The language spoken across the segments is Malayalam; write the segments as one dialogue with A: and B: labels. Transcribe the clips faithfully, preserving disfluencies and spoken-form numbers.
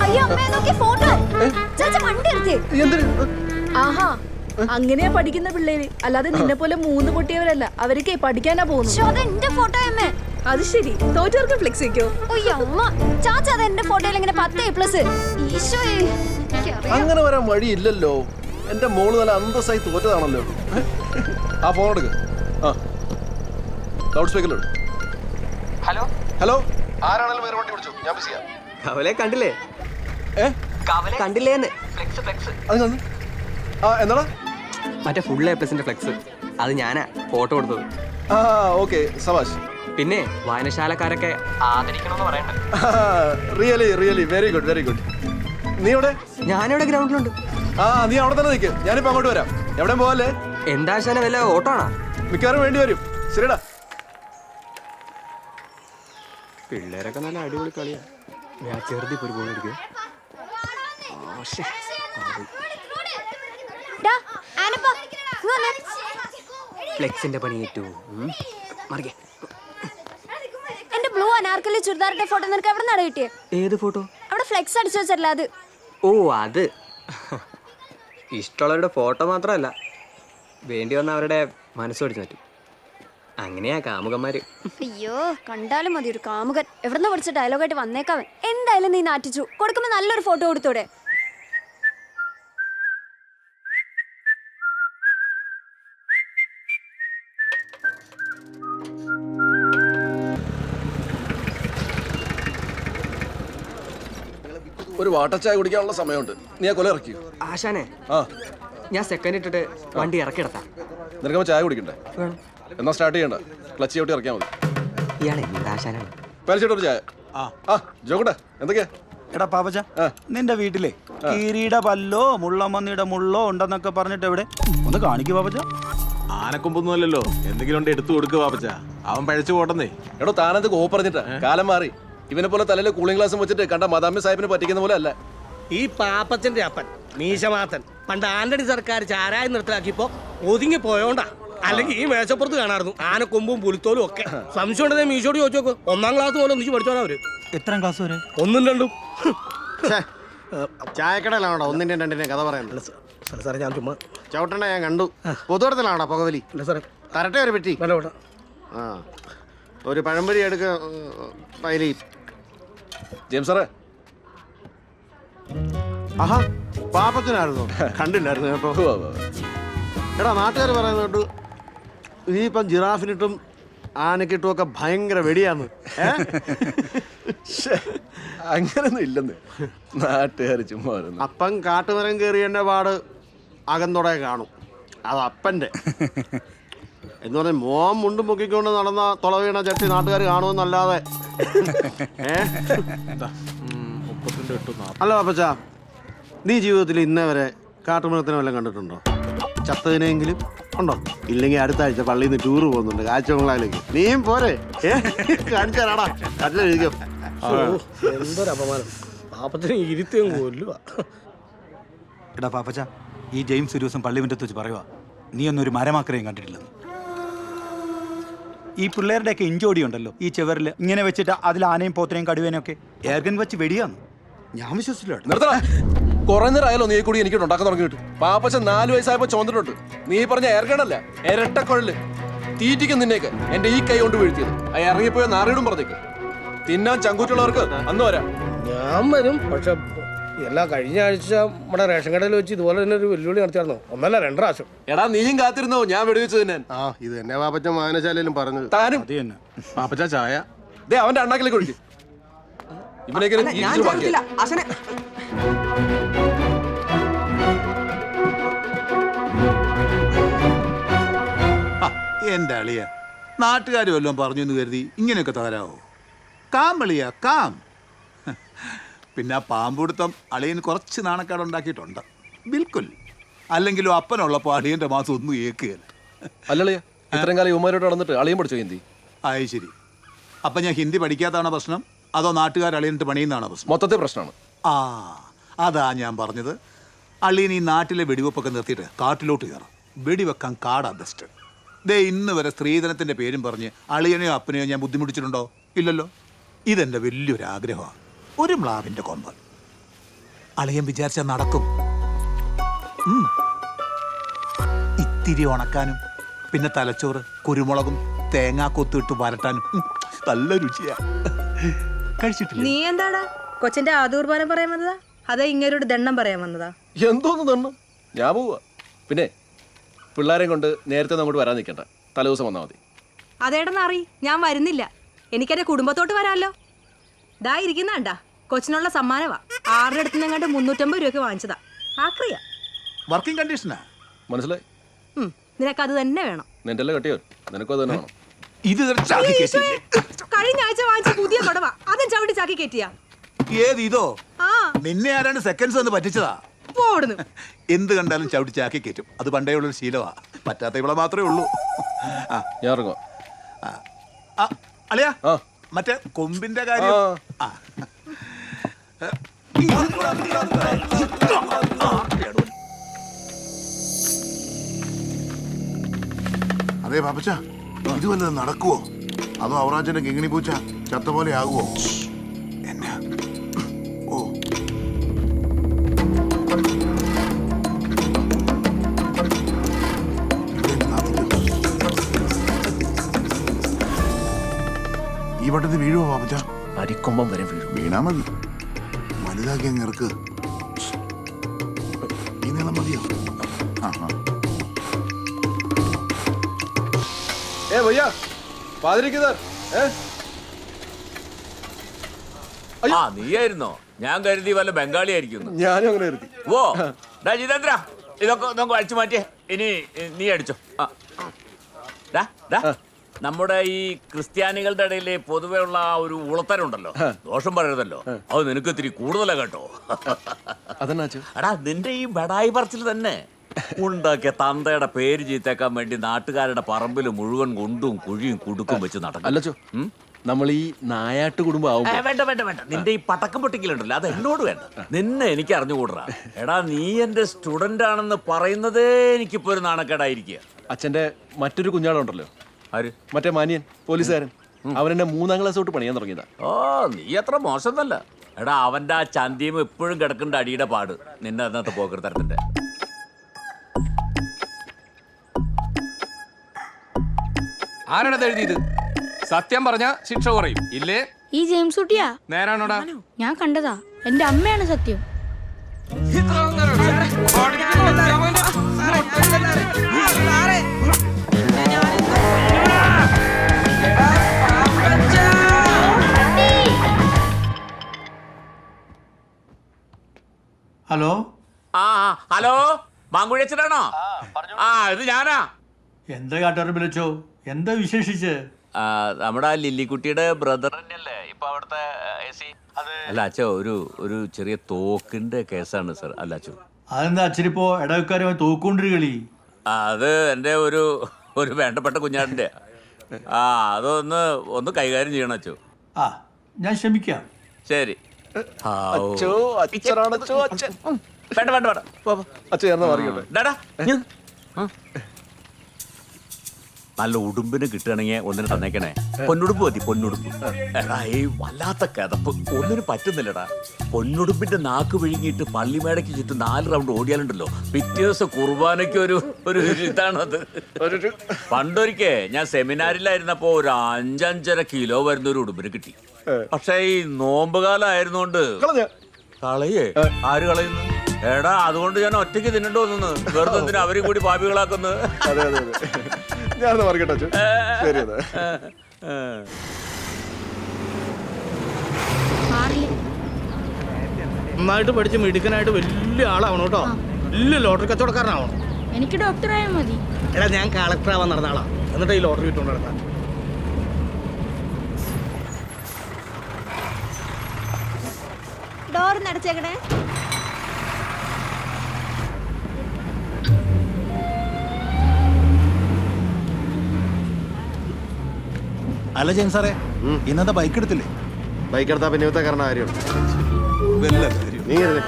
A: ആഹാ അങ്ങനെയാ പഠിക്കുന്ന പിള്ളേര്, അല്ലാതെ നിന്നെ പോലെ മൂന്ന് പൊട്ടിയവരല്ല. അവരൊക്കെ പഠിക്കാനാ പോകുന്നു. അത് ശരി, തോറ്റവർക്ക് ഫ്ലെക്സ് വെക്കോ?
B: അങ്ങനെ വരാൻ വഴിയില്ലല്ലോ. എന്റെ മോള് നല്ല അന്തസ്സായി തോറ്റതാണല്ലോ. ആ ഫോൺ എടുക്ക്. ആ ലൗഡ് സ്പീക്കറിൽ.
C: ഹലോ
B: ഹലോ, ആരാണെങ്കിലും വേറെ വണ്ടി വിളിച്ചു, ഞാൻ ബിസിയാ.
C: കവലെ കണ്ടില്ലേ?
B: ഏ
C: കവലെ കണ്ടില്ലേന്ന്? Flex flex.
B: അത് കണ്ടു. ആ എന്നാടാ?
C: മറ്റേ ഫുൾ എ പ്ലസിന്റെ ഫ്ലെക്സ്. അത് ഞാനാ ഫോട്ടോ കൊടുത്തത്.
B: ആ ഓക്കെ, സവാഷ്.
C: പിന്നെ വായനശാലക്കാരൊക്കെ ആദരിക്കണമെന്ന് പറയണ്ട.
B: Really really very good very good. നീ എവിടെ?
C: ഞാനിവിടെ ഗ്രൗണ്ടിലുണ്ട്.
B: ആ നീ അവിടെ തന്നെ നിൽക്ക്, ഞാനിപ്പോ അങ്ങോട്ട് വരാം. എവിടെയും പോവല്ലേ?
C: എന്താ ശാന വല്ല ഓട്ടോ ആണോ?
B: മിക്കവാറും വേണ്ടി വരും. ശരിടാ.
C: പിള്ളേരൊക്കെ നല്ല അടിപൊളി കളിയാ. ഞാൻ ചെറുതി ഒരു ഗോൾ അടിക്കുക. ഫ്ലെക്സിന്റെ പണി ഏറ്റു. മറികെ
D: എന്റെ ബ്ലൂ അനാർക്കലി ചുരിദാറിന്റെ ഫോട്ടോ നിനക്ക് എവിടെ നിന്നാണ് കിട്ടിയേ?
C: ഏത് ഫോട്ടോ?
D: അവിടെ ഫ്ലെക്സ് അടിച്ചു വെച്ചല്ല അത്.
C: ഓ അത് ഇഷ്ടമുള്ളവരുടെ ഫോട്ടോ മാത്രമല്ല, വേണ്ടി വന്ന അവരുടെ മനസ്സ് പഠിച്ചു പറ്റും. അങ്ങനെയാ കാമുകന്മാര്.
D: അയ്യോ കണ്ടാലും മതി ഒരു കാമുകൻ. എവിടെന്ന് പഠിച്ച ഡയലോഗായിട്ട് വന്നേക്കാവൻ. എന്തായാലും നീ നാറ്റിച്ചു കൊടുക്കുമ്പോ നല്ലൊരു ഫോട്ടോ കൊടുത്തൂടെ?
B: ഒരു വാട്ടർ ചായ കുടിക്കാനുള്ള സമയമുണ്ട്. നീ ആ കൊല ഇറക്കി.
C: ആശാനെ,
B: ആ
C: ഞാൻ സെക്കൻഡ് ഇട്ടിട്ട് വണ്ടി ഇറക്കിടത്താം.
B: നിനക്കപ്പോ ചായ കുടിക്കണ്ടേ? എന്നാ സ്റ്റാർട്ട് ചെയ്യണ്ട, ക്ലച്ച് ചവിട്ടി ഇറക്കിയാൽ മതി.
C: ഇയാളെ എന്താ ആശാനാണ്?
B: പേരിച്ചിട്ടൊരു ചായ. ആ ജോക്കട്ടെ, എന്തൊക്കെയാ?
E: എടാ പാപ്പച്ച, നിന്റെ വീട്ടിലെ കീരിയുടെ പല്ലോ മുള്ളമ്മന്നിയുടെ മുള്ളോ ഉണ്ടെന്നൊക്കെ പറഞ്ഞിട്ട് എവിടെ ഒന്ന് കാണിക്കൂ പാപ്പച്ച.
F: ആനക്കൊമ്പൊന്നും അല്ലല്ലോ, എന്തെങ്കിലും ഉണ്ട് എടുത്തു കൊടുക്കുക പാപ്പച്ച. അവൻ പഴച്ചു പോട്ടെന്നേ.
B: എടോ താനത് കോ പറഞ്ഞിട്ടാ, കാലം മാറി. ഇവനെ പോലെ തലയിൽ കൂളിംഗ് ഗ്ലാസും വെച്ചിട്ട് കണ്ട മദാമി സാഹിബിനെ പറ്റിക്കുന്ന പോലെ അല്ല
G: ഈ പാപ്പച്ചന്റെ അപ്പൻ മീശമാത്തൻ. പണ്ട് ആന്റണി സർക്കാർ ചാരായം നിർത്തലാക്കിയപ്പോ ഒതുങ്ങി പോയോണ്ടാ. അല്ലെങ്കിൽ ഈ മേശപ്പുറത്ത് കാണാറുന്നു ആനക്കൊമ്പും പുലിത്തോലും ഒക്കെ. സംശയം ഉണ്ടെങ്കിൽ മീശോട് ചോദിച്ചു നോക്ക്. ഒന്നാം ക്ലാസ് പോലെ ഒന്നിച്ച് പഠിച്ചോളാം അവര്.
E: എത്രാം ക്ലാസ് വരെ?
G: ഒന്നും രണ്ടും.
H: ചായക്കടയിലാണോ ഒന്നിന്റെ രണ്ടിന്റെ കഥ പറയുന്നത്?
G: സാറേ ഞാൻ ചുമ്മാ
H: ചവിട്ടണ ഞാൻ കണ്ടു. പൊതുവടത്തിലാണോ പുകവലി?
G: അല്ല സാറേ.
H: തരട്ടെ ഒരു പെട്ടി.
G: വേണ്ട വേണ്ട.
H: ആ ഒരു പഴംപൊരി എടുക്ക പൈലി.
B: ജെയിംസ് സാറേ.
H: ആഹാ പാപ്പത്തിനായിരുന്നു, കണ്ടില്ലായിരുന്നു കേട്ടോ. എടാ നാട്ടുകാർ പറയുന്നത് കേട്ടു നീ ഇപ്പം ജിറാഫിനിട്ടും ആനക്കിട്ടും ഒക്കെ ഭയങ്കര വെടിയാന്ന്.
B: അങ്ങനൊന്നും ഇല്ലെന്ന് നാട്ടുകാർ ചുമ്മാ.
H: അപ്പം കാട്ടുമരം കയറിയതിൻ്റെ പാട് അകന്തോടെ കാണും. അത് അപ്പൻ്റെ എന്ന് പറഞ്ഞ മോൻ മുണ്ടും പൊക്കിക്കൊണ്ട് നടന്ന തുള വീണ ചട്ടി നാട്ടുകാർ കാണുമെന്നല്ലാതെ. അല്ല പാപ്പച്ച, നീ ജീവിതത്തിൽ ഇന്നേ വരെ കാട്ടുമൃഗത്തിനെ വല്ലതും കണ്ടിട്ടുണ്ടോ? ചത്തതിനെങ്കിലും ഉണ്ടോ? ഇല്ലെങ്കിൽ അടുത്ത ആഴ്ച പള്ളിയിൽ നിന്ന് ടൂറ് പോകുന്നുണ്ട് കാഴ്ചബംഗ്ലാവിലേക്ക്. നീയും പോരെ? കാണിച്ചു തരാടാ. കട്ടിലെഴുതിക്കോ.
G: എന്തൊരു അപമാനം. പാപ്പത്തിന് ഇരുത്തിയും കൊല്ലുക.
E: എടാ പാപ്പച്ച, ഈ ജെയിംസ് ഒരു ദിവസം പള്ളി മുറ്റത്ത് വെച്ച് പറയുക, നീ ഒന്നൊരു മരമാക്കരെയും കണ്ടിട്ടില്ലെന്ന്. ഈ പിള്ളേരുടെയൊക്കെ ഇഞ്ചോടി ഉണ്ടല്ലോ ഈ ചെവറിൽ ഇങ്ങനെ വെച്ചിട്ട് അതിൽ ആനയും പോത്തനെയും കടുവേനും ഒക്കെ ഏർഗൻ വെച്ച് വെടിയാന്ന്. ഞാൻ വിശ്വസിച്ചില്ല.
B: കുറെ നേരം ആയാലോ നീ കൂടി എനിക്ക് ഉണ്ടാക്കാൻ തുടങ്ങിയിട്ട്. പാപ്പച്ച നാല് വയസ്സായപ്പോ ചോന്നിട്ടുണ്ട്. നീ പറഞ്ഞ ഏർഗണല്ല, ഇരട്ടക്കൊഴല്. തീറ്റിക്കും നിന്നേക്ക് എന്റെ ഈ കൈ കൊണ്ട് വീഴ്ത്തിയത്. ആ ഇറങ്ങിപ്പോയ നാറിയിടും പറഞ്ഞേക്ക്. തിന്നാൻ ചങ്കൂറ്റുള്ളവർക്ക് അന്ന് വരാം.
G: ഞാൻ വരും. പക്ഷെ എല്ലാ കഴിഞ്ഞ ആഴ്ച നമ്മുടെ റേഷൻ കടയിൽ വെച്ച് ഇതുപോലെ തന്നെ ഒരു വെല്ലുവിളി നടത്തിയായിരുന്നോ? ഒന്നല്ല രണ്ട് പ്രാവശ്യം.
B: എടാ നീയും കാത്തിരുന്നോ ഞാൻ വെടിവെച്ച് തിന്നാൻ?
H: ആ ഇത് തന്നെ പാപ്പച്ച വായനശാലയിലും പറഞ്ഞത്.
B: താനും
F: പാപ്പച്ച ചായ
B: ദേ അവന്റെ അണ്ണാക്കിലേക്ക് ഒഴിക്കും. ഇവനൊക്കെ
E: എന്റെ അളിയ നാട്ടുകാർ വല്ലതും പറഞ്ഞു എന്ന് കരുതി ഇങ്ങനെയൊക്കെ തകരാവോ? കാം അളിയ കാം. പിന്നെ ആ പാമ്പുടുത്തം അളിയന് കുറച്ച് നാണക്കേട് ഉണ്ടാക്കിയിട്ടുണ്ട്. ബിൽക്കുൽ. അല്ലെങ്കിലും അപ്പനുള്ളപ്പോൾ അളിയന്റെ മാസം ഒന്നും ഏക്കുകയല്ല.
B: അല്ലളിയ ഇത്രയും കാലം യുവമാരോട് നടന്നിട്ട് അളിയൻ പഠിച്ചോ ഹിന്ദി?
E: ആയി ശരി. അപ്പം ഞാൻ ഹിന്ദി പഠിക്കാത്തതാണോ പ്രശ്നം, അതോ നാട്ടുകാർ അളിയനിട്ട് പണിയുന്നതാണോ പ്രശ്നം?
B: മൊത്തത്തെ പ്രശ്നമാണ്.
E: ആ അതാ ഞാൻ പറഞ്ഞത്. അളിയൻ ഈ നാട്ടിലെ വെടിവെപ്പൊക്കെ നിർത്തിയിട്ട് കാട്ടിലോട്ട് കയറാം. വെടിവെക്കാൻ കാടാ ബെസ്റ്റ്. ദേ ഇന്ന് വരെ സ്ത്രീധനത്തിൻ്റെ പേരും പറഞ്ഞ് അളിയനെയോ അപ്പനെയോ ഞാൻ ബുദ്ധിമുട്ടിച്ചിട്ടുണ്ടോ? ഇല്ലല്ലോ. ഇതെൻ്റെ വലിയൊരാഗ്രഹമാണ്. ഒരു മ്ലാവിൻ്റെ കൊമ്പ്. അളിയൻ വിചാരിച്ച നടക്കും. ഉം. ഇത്തിരി ഉണക്കാനും പിന്നെ തലച്ചോറ് കുരുമുളകും തേങ്ങാ കൊത്തിട്ട് വരട്ടാനും ഉം, നല്ല രുചിയാ. കഴിച്ചിട്ടില്ല?
A: നീ എന്താടാ കൊച്ചിന്റെ ആദൂർബാനം പറയാൻ വന്നതാ അതാ ഇങ്ങനൊരു ദണ്ണം പറയാൻ വന്നതാ?
B: എന്തോന്ന് തന്നു ഞാൻ പോവാ. പിന്നെ പിള്ളേരെയും കൊണ്ട് നേരത്തെ അങ്ങോട്ട് വരാൻ നിൽക്കണ്ട, തലേദിവസം വന്നാൽ മതി.
A: അതേടെന്ന് അറി ഞാൻ വരുന്നില്ല. എനിക്കെന്റെ കുടുംബത്തോട്ട് വരാമല്ലോ. ദാ ഇരിക്കുന്നാണ്ടാ കൊച്ചിനുള്ള സമ്മാനവാ. ആരുടെ അടുത്ത് നിന്നങ്ങാണ്ട് മുന്നൂറ്റമ്പത് രൂപയ്ക്ക് വാങ്ങിച്ചതാ. ആക്രിയ
E: വർക്കിംഗ് കണ്ടീഷനാ.
B: മനസ്സിലായി?
A: നിനക്ക് അത് തന്നെ വേണം.
B: നിന്റെ അല്ലേ കെട്ടിയോ, നിനക്കും അത് തന്നെ വേണം.
E: ഇത് ഇതൊരു ചാക്കി കേസില്ലേ?
A: കഴിഞ്ഞ ആഴ്ച വാങ്ങിച്ച പുതിയ കൊടവാ, അതും ചവിട്ടി ചാക്കി കയറ്റിയാ.
E: ഏത് ഇതോ?
A: ആ
E: നിന്നെ ആരാണ്ട് സെക്കൻഡ്സ് ഒന്ന് പറ്റിച്ചതാ.
A: പോടുന്നു.
E: എന്ത് കണ്ടാലും ചവിട്ടി ചാക്കി കയറ്റും. അത് പണ്ടേ ഉള്ളൊരു ശീലമാ. പറ്റാത്ത ഇവിടെ മാത്രമേ ഉള്ളൂ. ആ
B: ഞാൻ ഇറങ്ങുവാ.
E: ആ, അളിയാ
B: ആ.
E: മറ്റേ കൊമ്പിന്റെ കാര്യം.
B: ആ.
E: ആ.
I: അതെ പാപ്പച്ച, ഇത് വല്ലതും നടക്കുവോ? അതോ അവറാച്ചന്റെ കിങ്ങിണി പൂച്ച ചത്ത പോലെ ആകുവോ? എന്നാ ഓ ഈ വട്ടത്തിൽ വീഴുവോ പാപ്പച്ച?
B: അരിക്കൊമ്പം വരെ വീഴും.
I: വീണാ മതി, വലുതാക്കി അങ്ങ് ഇറക്ക്. ഈ നീളം മതിയോ? ആ ആ
B: ഏ ഭയ്യ പാതിരിക്കുന്നർ ഏ
J: ആ നീയായിരുന്നോ? ഞാൻ കരുതി വല്ല ബംഗാളി ആയിരിക്കുന്നു.
B: ഞാനും അങ്ങനെ കരുതി.
J: ഓ ഡാ ജിതേന്ദ്ര, ഇതൊക്കെ നമുക്ക് അടിച്ചു മാറ്റിയേ. ഇനി നീ അടിച്ചോ. ആ. ഡാ, ഡാ, നമ്മുടെ ഈ ക്രിസ്ത്യാനികളുടെ ഇടയിൽ പൊതുവെ ഉള്ള ആ ഒരു ഉളത്തരുണ്ടല്ലോ, ദോഷം പറയരുതല്ലോ, അത് നിനക്ക് ഇത്തിരി കൂടുതലാ കേട്ടോ.
B: അതെന്നാ
J: എടാ നിന്റെ ഈ ബടായി പറച്ചിൽ തന്നെ ഉണ്ടാക്കിയ തന്തയുടെ പേര് ചീത്തേക്കാൻ വേണ്ടി നാട്ടുകാരുടെ പറമ്പിൽ മുഴുവൻ കൊണ്ടും കുഴിയും കുടുക്കും വെച്ച് നടക്കും.
B: അല്ലച്ചോ, നമ്മൾ ഈ നായാട്ട് കുടുംബം ആവും.
J: വേണ്ട വേണ്ട വേണ്ട, നിന്റെ ഈ പടക്കം പൊട്ടിക്കലുണ്ടല്ലോ അത് എന്നോട് വേണ്ട. നിന്നെ എനിക്ക് അറിഞ്ഞുകൂടാ. എടാ നീ എന്റെ സ്റ്റുഡന്റ് ആണെന്ന് പറയുന്നതേ എനിക്കിപ്പോ ഒരു നാണക്കേടായിരിക്കുക.
B: അച്ഛന്റെ മറ്റൊരു കുഞ്ഞാളുണ്ടല്ലോ,
J: ആര്?
B: മറ്റേ മാനിയൻ പോലീസുകാരൻ, അവൻ എന്നെ മൂന്നാം ക്ലാസ് തൊട്ട് പണിയാൻ തുടങ്ങിയതാ.
J: ഓ നീ അത്ര മോശമൊന്നല്ല. എടാ അവന്റെ ആ ചന്തിയും എപ്പോഴും കിടക്കേണ്ട അടിയുടെ പാട് നിന്നെ അതിനകത്ത് പോക്കൃത്തരത്തിന്റെ.
C: ആരാണത് എഴുതിയത്? സത്യം പറഞ്ഞ ശിക്ഷ കുറയും ഇല്ലേ?
D: ഈ ജെയിംസ് കുട്ടിയാ?
C: നേരാണോടാ?
D: ഞാൻ കണ്ടതാ. എന്റെ അമ്മയാണ് സത്യം.
K: ഹലോ
J: ആ ഹലോ, മാങ്കുഴിയച്ചനാണോ? ആ ഇത് ഞാനാ.
K: എന്താ കാട്ടാറ് വിളിച്ചോ? എന്താ വിശേഷിച്ച്?
J: നമ്മുടെ ലില്ലിക്കുട്ടിയുടെ ബ്രദർ തന്നെയല്ലേ ഇപ്പൊ അവിടുത്തെ എ സി? അല്ല അച്ഛോ, ഒരു ഒരു ചെറിയ തോക്കിന്റെ കേസാണ് സർ. അല്ല അച്ഛോ,
K: അതെന്താ അച്ഛനിപ്പോ ഇടവക്കാരുമായി തോക്കൊണ്ടൊരു കളി?
J: അത് എൻ്റെ ഒരു ഒരു വേണ്ടപ്പെട്ട കുഞ്ഞാടിന്റെ. ആ അതൊന്ന് ഒന്ന് കൈകാര്യം ചെയ്യണം അച്ഛോ.
K: ആ ഞാൻ ശ്രമിക്കാം.
J: ശരി.
B: അച്ഛോ, അച്ഛനാണച്ചോ, അച്ഛൻ.
J: വേണ്ട വേണ്ട വേണ്ട,
B: അച്ഛൻ എന്നാ പറയട്ടെ.
J: ഡാടാ, നല്ല ഉടുമ്പിന് കിട്ടുകയാണെങ്കിൽ ഒന്നിന് തന്നേക്കണേ. പൊന്നുടുപ്പ് മതി, പൊന്നുടുപ്പ്. എടാ ഈ വല്ലാത്ത കിതപ്പ് ഒന്നിനും പറ്റുന്നില്ലടാ. പൊന്നുടുപ്പിന്റെ നാക്ക് വിഴുങ്ങിയിട്ട് പള്ളിമേടയ്ക്ക് ചുറ്റും നാല് റൗണ്ട് ഓടിയാലുണ്ടല്ലോ, പിറ്റേ ദിവസം കുർബാനയ്ക്ക് ഒരു ഒരു ഇതാണത്. പണ്ടൊരിക്കേ ഞാൻ സെമിനാറിലായിരുന്നപ്പോ ഒരു അഞ്ചഞ്ചര കിലോ വരുന്ന ഒരു ഉടുമ്പിന് കിട്ടി. പക്ഷെ ഈ നോമ്പുകാലം ആയിരുന്നോണ്ട് കളയേ. ആര് കളയുന്നു? എടാ അതുകൊണ്ട് ഞാൻ ഒറ്റയ്ക്ക് തിന്നണ്ടോ തോന്നുന്നു. വെറുതെ എന്തിനാ അവരും കൂടി പാപികളാക്കുന്നത്?
B: അതെ അതെ അതെ, ഞാനൊന്ന് പറയട്ടെ അച്ഛൻ. ശരി അതെ.
G: നന്നായിട്ട് പഠിച്ച് മിടുക്കനായിട്ട് വലിയ ആളാവണം കേട്ടോ. വലിയ ലോട്ടറി കച്ചവടക്കാരനാവണം.
D: എനിക്ക് ഡോക്ടറായാൽ മതി.
G: എടാ ഞാൻ കളക്ടർ ആവാൻ നടന്ന ആളാ, എന്നിട്ട് ഈ ലോട്ടറി വിട്ടുകൊണ്ട് നടത്താൻ.
D: ഡോർ നടച്ചേക്കണേ.
E: അല്ല ജെയിംസ് സാറേ, ഇന്നത്തെ ബൈക്ക് എടുത്തില്ലേ?
H: ബൈക്ക് എടുത്താ പിന്നെ ഇവത്തെ കാരണം കാര്യം
E: വല്ല കാര്യം.
H: നീ കരുതേ.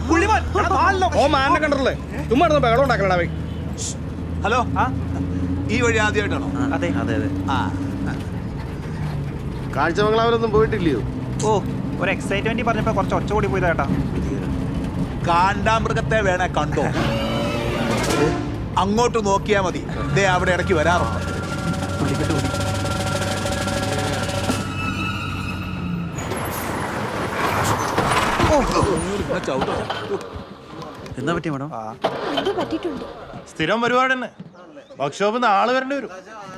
G: ഓ മാനെ കണ്ടല്ലേ, ചുമ്മാ ബഹളം ഉണ്ടാക്കണടാ.
E: ഹലോ, ഈ വഴി ആദ്യമായിട്ടാണോ?
C: അതെ അതെ അതെ.
E: ആ
H: കാഴ്ചമംഗലാവിലൊന്നും പോയിട്ടില്ലയോ?
C: ഓ, ഒരു എക്സൈറ്റ്മെന്റ് പറഞ്ഞപ്പോ കുറച്ച് ഒച്ച കൂടി പോയതാ ചേട്ടാ.
E: കാണ്ടാമൃഗത്തെ വേണേ കണ്ടോ? അങ്ങോട്ട് നോക്കിയാ മതി, ദേ അവിടെ ഇടയ്ക്ക് വരാറുണ്ട്.
C: എന്താ പറ്റിയ മേഡം?
D: എന്തോ പറ്റിയിട്ടുണ്ട്.
K: സ്ഥിരം പരിപാടി തന്നെ. വർക്ക്ഷോപ്പിൽ നിന്ന് ആള് വരേണ്ടി വരും.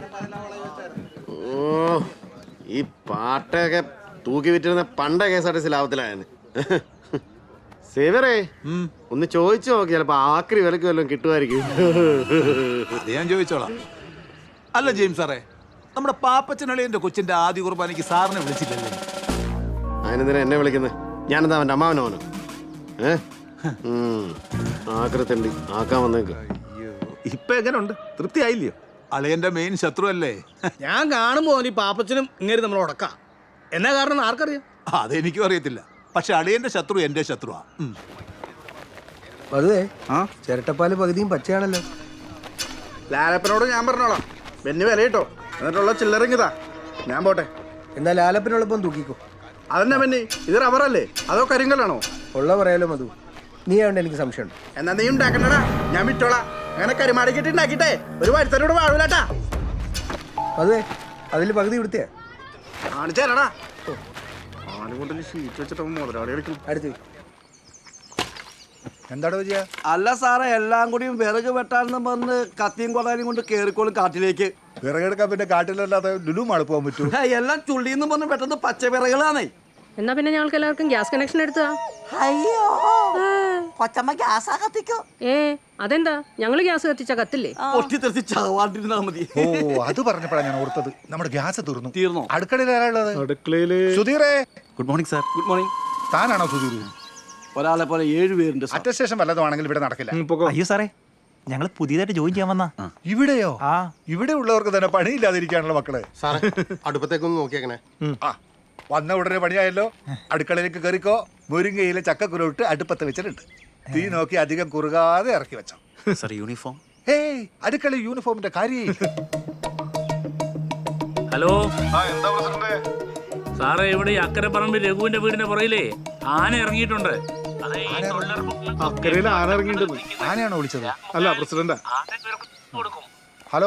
H: ഓ, ഈ പാട്ടൊക്കെ തൂക്കി വിറ്റിരുന്ന പണ്ട K S R T C ലാഭത്തിലായെന്ന്. സേവറേ, ഒന്ന് ചോദിച്ചു നോക്കി, ചിലപ്പോ ആക്രി വിലക്ക് വല്ലതും കിട്ടുമായിരിക്കും.
E: അത് ഞാൻ ചോദിച്ചോളാം. അല്ല ജെയിംസ് സാറേ, നമ്മുടെ പാപ്പച്ചനളിയന്റെ കൊച്ചിന്റെ ആദ്യ കുർബാനയ്ക്ക് സാറിനെ വിളിച്ചില്ലല്ലേ?
H: അതിനെന്തിനാ എന്നെ വിളിക്കുന്നത്? ഞാനെന്താ അവൻ്റെ അമ്മാവനോനോ? ഏ ആക്രത്തണ്ടി ആക്കാൻ വന്നേക്ക്.
F: ഇപ്പൊ എങ്ങനെയുണ്ട്? തൃപ്തി ആയില്ലയോ?
E: അളിയന്റെ മെയിൻ ശത്രു അല്ലേ?
G: ഞാൻ കാണുമ്പോ ഈ പാപ്പച്ചനും ഇങ്ങനെ നമ്മൾ ഉടക്കാം. എന്നാ കാരണം ആർക്കറിയാം?
E: അതെനിക്കും അറിയത്തില്ല. പക്ഷെ അളിയന്റെ ശത്രു എന്റെ ശത്രുവാ.
C: അതുവേ ആ ചിരട്ടപ്പാല് പകുതിയും പച്ചയാണല്ലോ.
H: ലാലപ്പനോട് ഞാൻ പറഞ്ഞോളാം, ബെന്നി വില കിട്ടോ, എന്നിട്ടുള്ള ചില്ലറിങ്ങിതാ, ഞാൻ പോട്ടെ.
C: എന്നാ ലാലപ്പനോടൊപ്പം തൂക്കിക്കോ.
H: അതെന്നാ ബെന്നി, ഇത് റബ്ബറല്ലേ അതോ കരിങ്കല്ലാണോ?
C: ഉള്ള പറയാലോ മധു, നീ ആവണ്ട എനിക്ക് സംശയമുണ്ട്.
H: എന്നാ നീ ഉണ്ടാക്കണ്ടടാ, ഞാൻ വിട്ടോളാം. അങ്ങനെ കരിമാടിക്കിട്ട് ഉണ്ടാക്കിട്ടെ ഒരു വരുത്തനോട് വാഴൂലാട്ടാ.
C: അതുവേ അതിൽ പകുതി ഇവിടുത്തെ
H: കാണിച്ചേരടാ. ആനുകൊണ്ടിൽ ഷീറ്റ് വെച്ചിട്ട് മുതലാളി കളിക്കും.
C: അടുത്ത്
H: എന്താടോ ചെയ്യാ?
C: അല്ല സാറേ, എല്ലാം കൂടിയും വിറക് വെട്ടാനെന്ന് പറഞ്ഞ് കത്തിയും കൊടാനും കൊണ്ട് കേറിക്കോളും കാട്ടിലേക്ക്.
H: വിറകെടുക്കാൻ പിന്നെ കാട്ടിലല്ലാതെ ലുലുമാണ് പോകാൻ പറ്റൂ.
C: എല്ലാം ചുള്ളിന്ന് പറഞ്ഞ് പെട്ടെന്ന് പച്ച വിറകളാണേ.
A: എന്നാ പിന്നെ ഞങ്ങൾക്ക് എല്ലാവർക്കും ഗ്യാസ് കണക്ഷൻ എടുത്താ?
C: അയ്യോ, കൊച്ചമ്മ ഗ്യാസാ കത്തിക്കോ.
A: ഏ അതെന്താ, ഞങ്ങള് ഗ്യാസ് കത്തിച്ച കത്തില്ലേ?
C: പൊട്ടി തെറിച്ച് ചാവാണ്ടിരുന്നാ മതി.
H: ഓ, അത് പറഞ്ഞപ്പോഴാണ് ഞാൻ ഓർത്തത്, നമ്മുടെ ഗ്യാസ് തീർന്നു.
C: തീർന്നോ?
H: അടുക്കളയിൽ ആരാളുള്ളത്?
C: അടുക്കളയില്
H: സുധീറേ.
C: Good morning sir. Good morning.
H: താനാണോ സുധീർ?
C: ഒരാളെ പോലെ ഏഴ് പേരുണ്ട്.
H: അറ്റസ്റ്റേഷൻ വല്ലതുമാണെങ്കിൽ ഇവിടെ നടക്കില്ല.
C: അയ്യോ സാറേ, ഞങ്ങൾ പുതിയതായിട്ട് ജോയിൻ ചെയ്യാൻ വന്നാ.
H: ഇവിടെയോ? ഇവിടെ ഉള്ളവർക്ക് തന്നെ പണിയില്ലാതിരിക്കാനുള്ള മക്കളെ.
L: സാറേ, അടുപ്പത്തേക്കൊന്ന് നോക്കിയേക്കണേ.
H: ആ, വന്ന ഉടനെ പണിയായല്ലോ. അടുക്കളയിലേക്ക് കയറിക്കോ. മുരിങ്ങയിലെ ചക്കക്കുരുട്ട് അടുപ്പത്ത് വെച്ചിട്ടുണ്ട്. തീ നോക്കി അധികം കുറുകാതെ ഇറക്കി വെച്ചോ.
C: Sir uniform?
H: ഏയ്, അടുക്കള യൂണിഫോമിന്റെ കാര്യം.
J: ഹലോ സാറേ, ഇവിടെ ഈ അക്കരെ പറമ്പിൽ രഘുവിന്റെ വീടിന്റെ പുറയിലേ ആന ഇറങ്ങിയിട്ടുണ്ട്.
H: അക്കരയിൽ ആന ഇറങ്ങിയിട്ടുണ്ട്. ആനയാണോ വിളിച്ചത്? അല്ല, പ്രസിഡന്റ്. ഹലോ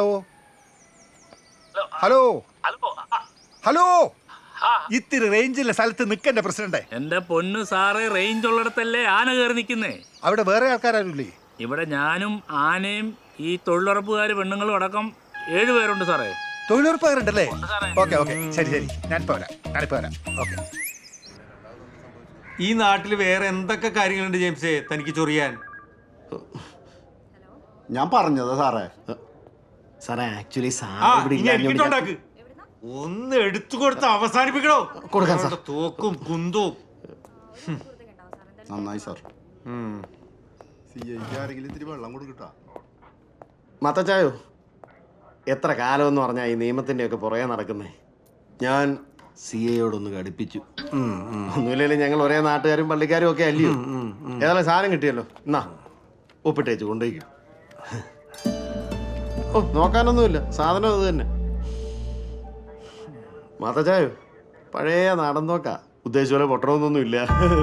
H: ഹലോ ഹലോ, ഇത്തിരി റേഞ്ചിലെ സ്ഥലത്ത് നിൽക്കണ്ടേ പ്രസിഡന്റ്?
J: എന്റെ പൊന്നു സാറേ, റേഞ്ച് ഉള്ളിടത്തല്ലേ ആന കയറി നിൽക്കുന്നേ.
H: അവിടെ വേറെ ആൾക്കാരാരില്ലേ?
J: ഇവിടെ ഞാനും ആനയും ഈ തൊഴിലുറപ്പുകാർ പെണ്ണുങ്ങളും അടക്കം ഏഴുപേരുണ്ട് സാറേ.
H: തൊഴിലുറപ്പുകാരുണ്ടല്ലേ? ഓക്കെ ഓക്കെ, ശരി ശരി, ഞാനിപ്പോ വരാം ഞാനിപ്പോ വരാം ഓക്കെ.
K: ഈ നാട്ടിൽ വേറെ എന്തൊക്കെ കാര്യങ്ങളുണ്ട് ജെയിംസേ തനിക്ക് ചൊറിയാൻ?
L: ഞാൻ പറഞ്ഞതാ സാറേ.
H: സാറേ, ആക്ച്വലി
K: ആ, ഇനി എടുത്തിട്ടുണ്ടാക്ക്. ഒന്ന് എടുത്തു കൊടുത്ത് അവസാനിപ്പിക്കണോ?
H: കൊടുക്കാം സാർ.
K: തോക്കും കുന്തവും.
L: നന്നായി സാർ. സി ഐക്ക് ആരെങ്കിലും ഇത്തിരി വെള്ളം കൊടുക്കട്ടാ.
H: മത്തച്ചായോ, എത്ര കാലമെന്ന് പറഞ്ഞാൽ ഈ നിയമത്തിൻ്റെ ഒക്കെ പുറകെ നടക്കുന്നേ. ഞാൻ സി എയോടൊന്ന് കടുപ്പിച്ചു. ഒന്നുമില്ലെങ്കിലും ഞങ്ങൾ ഒരേ നാട്ടുകാരും പള്ളിക്കാരും ഒക്കെ അല്ലയോ. ഏതായാലും സാധനം കിട്ടിയല്ലോ, എന്നാ ഒപ്പിട്ടേച്ചു കൊണ്ടുപോയിക്കും. ഓ, നോക്കാനൊന്നുമില്ല, സാധനം അത് തന്നെ. മാത്തച്ചായോ, പഴയ നാടൻ നോക്കാ, ഉദ്ദേശിച്ച പോലെ പൊട്ടണമെന്നൊന്നും ഇല്ല.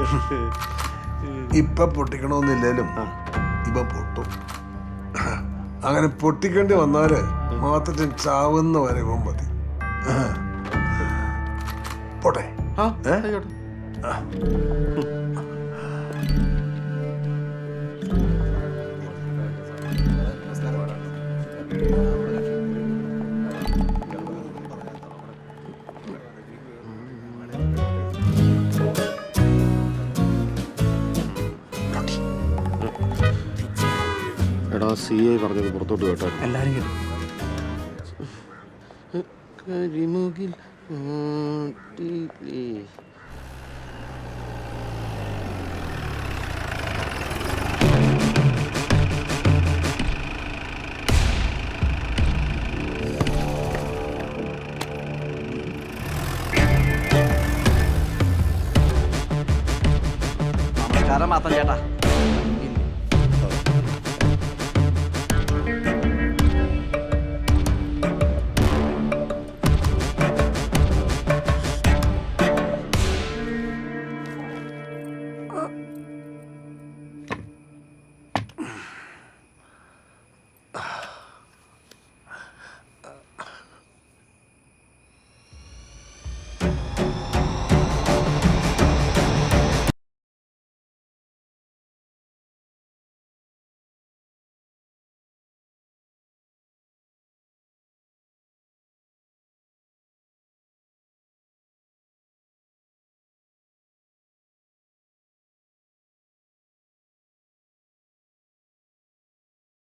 M: ഇപ്പൊ പൊട്ടിക്കണമെന്നില്ലേലും ഇപ്പൊ പൊട്ടും. അങ്ങനെ പൊട്ടിക്കേണ്ടി വന്നാല് മാത്രം ചാവുന്ന വരെ മതി. പോട്ടെ.
H: എടാ, സി ഐ പറഞ്ഞത് പുറത്തോട്ട് കേട്ടോ.
C: എല്ലാരും കേട്ടു.
H: കരിമുകിൽ
C: നമസ്കാരം മാത്രം ചേട്ടാ.